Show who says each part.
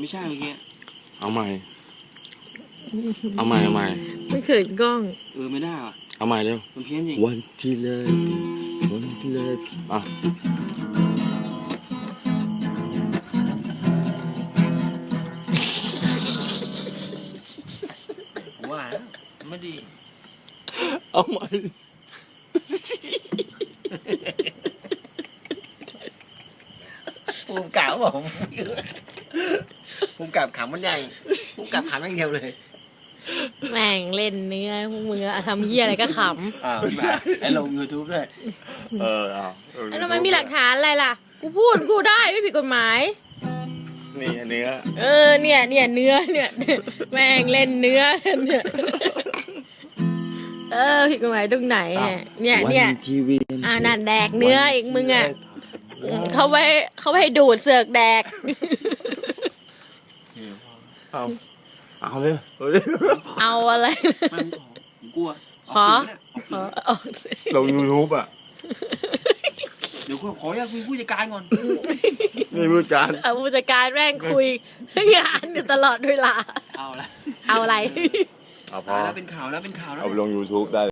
Speaker 1: ไม่ใช่เมื่อกี้
Speaker 2: เอาใหม่เอาใหม่
Speaker 3: ไม่เขินกล้อง
Speaker 1: ไม่ได้ว่ะ
Speaker 2: เอาใหม่เร็ว
Speaker 1: มันเพี้ยนจริง
Speaker 2: วันที่เลยอ่ะ
Speaker 1: ว่าไม่ดี
Speaker 2: เอาใหม่
Speaker 1: ภูมิกับบอกภูมิกับขำมันใหญ่ภูมิกับขำอย่างเดียวเลย
Speaker 3: แม่งเล่นเนื้อพวกมึงอะทำเหี้ยอะไรก็ข
Speaker 1: ไอ้ลง YouTube ด้วย
Speaker 2: เอา
Speaker 3: ำแล้วทำไมมีหลักฐานอะไรล่ะ กูพูดกูได้ไม่ผิดกฎหมาย
Speaker 2: นี่อันนี้
Speaker 3: เนี่ยเนื้อเนี่ยแม่งเล่นเนื้อเนี่ยผิดกฎหมายตรงไหนเนี่ย
Speaker 2: วันทีวี
Speaker 3: นั่นแดกเนื้ออีกมึงอ่ะเขาไว้ให้ดูดเสือกแดก
Speaker 2: เอาเลย
Speaker 3: เอาอะไร
Speaker 1: มันกลัว
Speaker 3: ขอออกสิ
Speaker 2: ลง YouTube อ่ะ
Speaker 1: เดี๋ยวขออยากคุยผู้จัดการก่อน
Speaker 2: นี่ผู้การ
Speaker 3: ผู้จัดการแม่งคุยงานอยู่ตลอดเวลา
Speaker 1: เอาละ
Speaker 3: เอาอะไร
Speaker 2: เอาพอ
Speaker 1: แล้วเป็นข่าวแล้ว
Speaker 2: เอาไปลง YouTube ได้